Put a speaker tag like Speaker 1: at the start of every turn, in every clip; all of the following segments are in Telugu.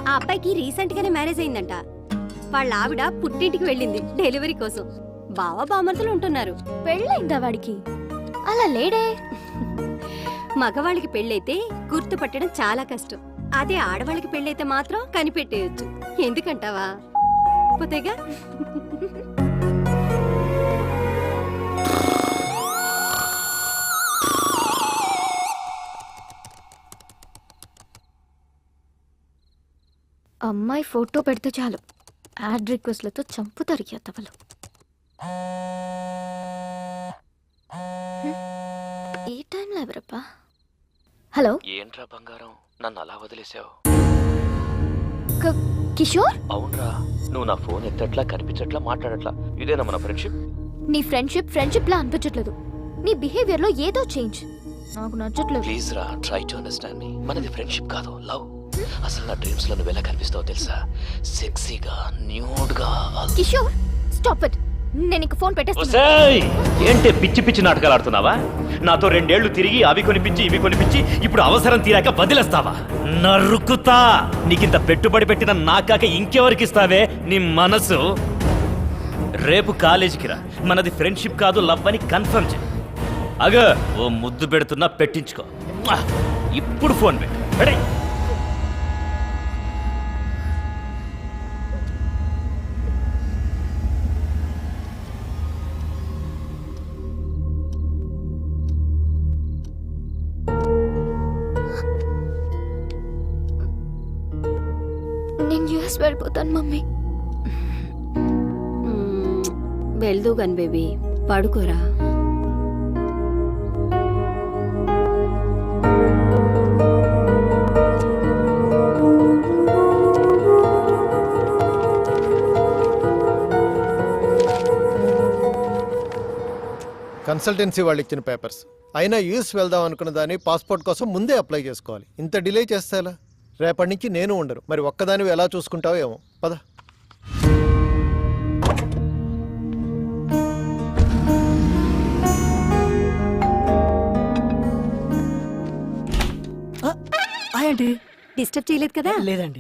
Speaker 1: ఆ అబ్బాయికి రీసెంట్ గానే మ్యారేజ్ అయిందంట. వాళ్ళ ఆవిడ పుట్టింటికి వెళ్ళింది డెలివరీ కోసం. బావ బామర్తులు ఉంటున్నారు.
Speaker 2: పెళ్ళైందా వాడికి? అలా లేడే.
Speaker 1: మగవాళ్ళకి పెళ్ళైతే గుర్తుపట్టడం చాలా కష్టం. అదే ఆడవాళ్ళకి పెళ్ళైతే మాత్రం కనిపెట్టేయొచ్చు. ఎందుకంటావా? పోతేగా.
Speaker 2: అమ్మాయి ఫోటో పెడితే చాలు యాడ్ రిక్వెస్ట్లతో చంపుతారు ఎత్తవలు. ఈ టైంలో ఎవరప్పా? హలో,
Speaker 3: ఏంట్రా బంగారం, నన్ను అలా వదిలేసావు?
Speaker 2: కిషోర్,
Speaker 3: అవునరా, నువ్వు నా ఫోన్ ఎత్తట్లా, కనిపించట్లా, మాట్లాడట్లా. ఇదేనా మన ఫ్రెండ్షిప్?
Speaker 2: నీ ఫ్రెండ్షిప్ లా అనిపించట్లేదు. నీ బిహేవియర్ లో ఏదో చేంజ్ నాకు నచ్చట్లేదు.
Speaker 3: ప్లీజ్ రా, ట్రై టు అండర్స్టాండ్ మీ. మనది ఫ్రెండ్షిప్ కాదు, లవ్. అసలు నా డ్రీమ్స్ లో నువ్వు ఎలా కనిపిస్తావో తెలుసా? సెక్సీగా, న్యూడ్ గా.
Speaker 2: Kishore, stop it. నేను ఇంక ఫోన్ పెట్టేస్తాను.
Speaker 3: ఏంటి పిచ్చి పిచ్చి నాటకాలు ఆడుతున్నావా? నాతో 2 ఏళ్లు తిరిగి అవి కొనిపించి ఇవి కొనిపించి ఇప్పుడు అవసరం తీరాక వదిలేస్తావా? నరుకుతా. నీకింత పెట్టుబడి పెట్టిన నాకాక ఇంకెవరికి ఇస్తావే నీ మనసు? రేపు కాలేజీకి రా, మనది ఫ్రెండ్షిప్ కాదు లవ్ అని కన్ఫర్మ్ చేయి. అగో ఓ ముద్దు పెడుతున్నా, పెట్టించుకో. ఇప్పుడు ఫోన్ పెట్టే.
Speaker 2: నేను యూఎస్ వెళ్ళిపోతాను మమ్మీ.
Speaker 1: వెళ్దూ గన్ బేబీ, పడుకోరా.
Speaker 4: కన్సల్టెన్సీ వాళ్ళు ఇచ్చిన పేపర్స్ అయినా యూఎస్ వెళ్దాం అనుకున్న దాన్ని పాస్పోర్ట్ కోసం ముందే అప్లై చేసుకోవాలి. ఇంత డిలే చేస్తే ఎలా? రేపటి నుంచి నేను ఉండరు. మరి ఒక్కదానివి ఎలా చూసుకుంటావో ఏమో. పద.
Speaker 5: ఏంటి?
Speaker 1: డిస్టర్బ్ చేయలేదు కదా?
Speaker 5: లేదండి.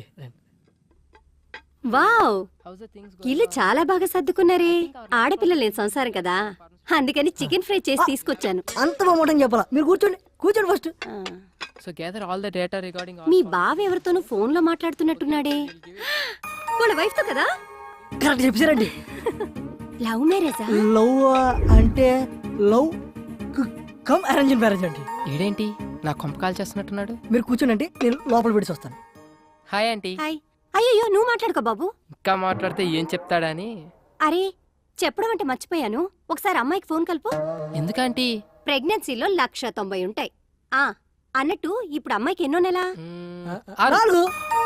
Speaker 1: వావ్, ఇల్లు చాలా బాగా సర్దుకున్నారే. ఆడపిల్ల లేని సంసారం కదా, అందుకని చికెన్ ఫ్రై చేసి తీసుకొచ్చాను.
Speaker 5: అంత బాగుంటుంది చెప్పాలా? మీరు కూర్చోండి, కూర్చోండి first.
Speaker 6: So gather all the data regarding all.
Speaker 1: మీ బావ ఎవరితోనూ ఫోన్ లో మాట్లాడుతున్నట్టున్నాడే. వాళ్ళ వైఫ్ తో కదా?
Speaker 5: కరెక్ట్ చెప్పారండి.
Speaker 1: లవ్ మ్యారేజా?
Speaker 5: లవ్ అంటే లవ్ కమ్ అరేంజ్ మ్యారేజ్ అండి.
Speaker 6: ఈడేంటి నా కొంప కాల్ చేస్తున్నట్టున్నాడు?
Speaker 5: మీరు కూర్చోండి, నేను లోపల పెట్టి వస్తాను.
Speaker 6: Hi aunty.
Speaker 1: హాయ్. అయ్యో నువ్వు మాట్లాడుకో బాబు.
Speaker 6: ఇంకా మాట్లాడితే ఏం చెప్తాడని.
Speaker 1: అరే చెప్పడం అంటే మర్చిపోయాను. ఒకసారి అమ్మాయికి ఫోన్ కలుపు.
Speaker 6: ఎందుకంటీ?
Speaker 1: ప్రెగ్నెన్సీలో 190 ఉంటాయి. అన్నట్టు ఇప్పుడు అమ్మాయికి ఎన్నో నెల?
Speaker 5: 4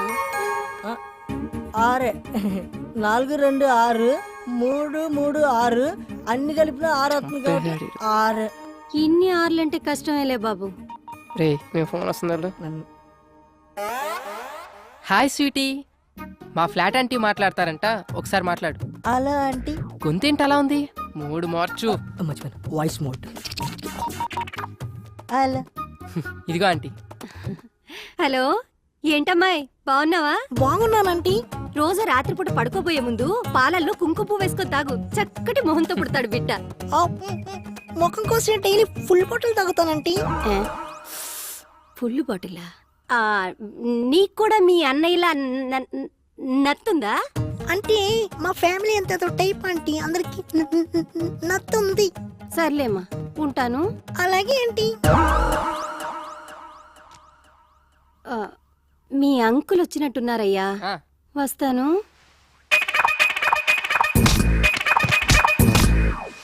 Speaker 5: 6 4 2 6 3 3 6 అన్ని కలిపిన 6 అవుతుంది. 6.
Speaker 1: ఇన్ని ఆర్లంటే కష్టమేలే బాబు.
Speaker 6: రే మీ ఫోన్ వస్తుందా? హాయ్ స్వీటీ, మా ఫ్లాట్ ఆంటీ మాట్లాడతారంట, ఒకసారి మాట్లాడు.
Speaker 5: అలా ఆంటీ
Speaker 6: గొంతేంటి అలా ఉంది? మూడు మార్చు.
Speaker 5: మర్చిపోయాను, వాయిస్ మోడ్. అలా
Speaker 6: ఇదిగో ఆంటీ.
Speaker 1: హలో, ఏంటమ్మాయి బాగున్నావా?
Speaker 5: బాగున్నానంటీ.
Speaker 1: రోజు రాత్రిపూట పడుకోబోయే ముందు పాలల్లో కుంకుమ పువ్వు వేసుకొని తాగు. చక్కటి మొహంతో పుడతాడు బిడ్డ.
Speaker 5: ముఖం కోసం డైలీ ఫుల్ బాటిల్ తాగుతానంటీ.
Speaker 1: ఫుల్ బాటిలా? నీకు కూడా మీ అన్నయ్యలా నత్తుందా?
Speaker 5: అంటే మా ఫ్యామిలీ అంత టైప్ ఆంటీ, అందరికి నత్తుంది.
Speaker 1: సర్లేమ్మా, ఉంటాను.
Speaker 5: అలాగే ఆంటీ.
Speaker 1: మీ అంకుల్ వచ్చినట్టున్నారయ్యా, వస్తాను.